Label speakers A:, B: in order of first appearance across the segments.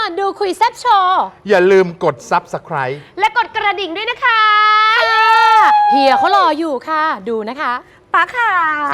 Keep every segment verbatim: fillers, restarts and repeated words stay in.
A: ดูคุยแซบโชว์
B: อย่าลืมกด ซับสไครบ์
C: และกดกระดิ่งด้วยนะคะ
A: เฮียเขารออยู่ค่ะดูนะคะ
C: ป้าค่ะ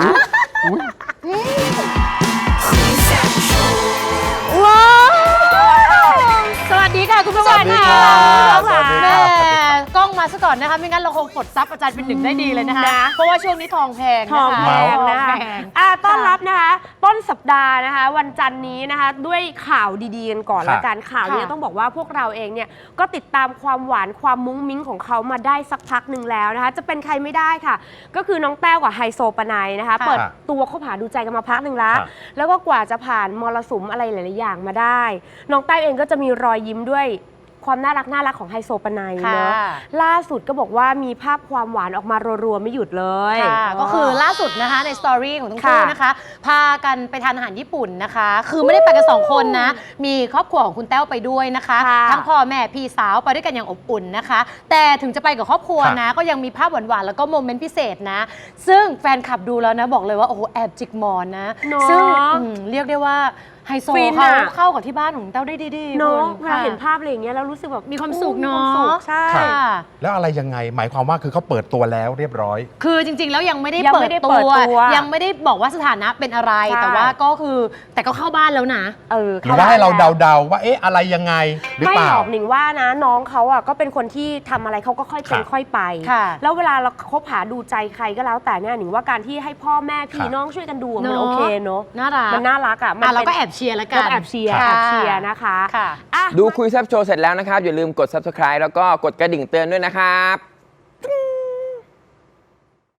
A: ว้าวสวัสดีค่ะคุณผู้ชมค่ะแม่กล้องมาซะก่อนนะคะไม่งั้นเราคงกดซับอาจารย์เป็นหนึ่งได้ดีเลยนะคะเพราะว่าช่วงนี้ทองแพง
C: ทองแพงนะคะอ่าต้อนรับนะคะต้นสัปดาห์นะคะวันจันทร์นี้นะคะด้วยข่าวดีๆกันก่อนละกันข่าวนี้ต้องบอกว่าพวกเราเองเนี่ยก็ติดตามความหวานความมุ้งมิ้งของเขามาได้สักพักหนึ่งแล้วนะคะจะเป็นใครไม่ได้ค่ะก็คือน้องแต้วกับไฮโซปนัยนะคะเปิดตัวคบหาดูใจกันมาพักหนึ่งแล้วแล้วก็กว่าจะผ่านมรสุมอะไรหลายๆอย่างมาได้น้องแต้วเองก็จะมีรอยยิ้มด้วยความน่ารักน่ารักของไฮโซปนัยเนอะล่าสุดก็บอกว่ามีภาพความหวานออกมารัวๆไม่หยุดเลย
A: ก็คือล่าสุดนะคะในสตอรี่ของทั้งคู่นะคะพากันไปทานอาหารญี่ปุ่นนะคะคือไม่ได้ไปกันสองคนนะมีครอบครัวของคุณแต้วไปด้วยนะคะทั้งพ่อแม่พี่สาวไปด้วยกันอย่างอบอุ่นนะคะแต่ถึงจะไปกับครอบครัวนะก็ยังมีภาพหวานๆแล้วก็โมเมนต์พิเศษนะซึ่งแฟนคลับดูแล้วนะบอกเลยว่าโอ้โหแอบจิกหมอนนะซึ่งเรียกได้ว่าไฮโซเขาเข้ากับที่บ้านของเต้าได้ดีๆ
C: เนาะเวลาเห็นภาพอะไรอย่างเงี้ยแล้วรู้สึกแบบ
A: มีความสุขเนาะ
C: ใช่
B: แล้วอะไรยังไงหมายความว่าคือเขาเปิดตัวแล้วเรียบร้อย
A: คือจริงๆแล้วยังไม่ได้เปิดตัวยังไม่ได้บอกว่าสถานะเป็นอะไรแต่ว่าก็คือแต่ก็เข้าบ้านแล้วนะ
C: เออ
B: หรือว่าให้เราเดาๆว่าเอ๊ะอะไรยังไงหรือเปล่า
C: ไม่หรอกหนิงว่านะน้องเขาอ่ะก็เป็นคนที่ทำอะไรเขาก็ค่อยเป็นค่อยไปแล้วเวลาเราคบหาดูใจใครก็แล้วแต่เนี่ยหนิงว่าการที่ให้พ่อแม่พี่น้องช่วยกันดูมันโอเคเนาะ
A: น่ารัก
C: มันน่ารักอ่ะ
A: เราก็แอบเชียร์แล้วกัน
C: แอบเชียร์แอบเชียร์นะคะ
D: ดูคุยแซ่บโชว์เสร็จแล้วนะครับอย่าลืมกด ซับสไครบ์ แล้วก็กดกระดิ่งเตือนด้วยนะครับ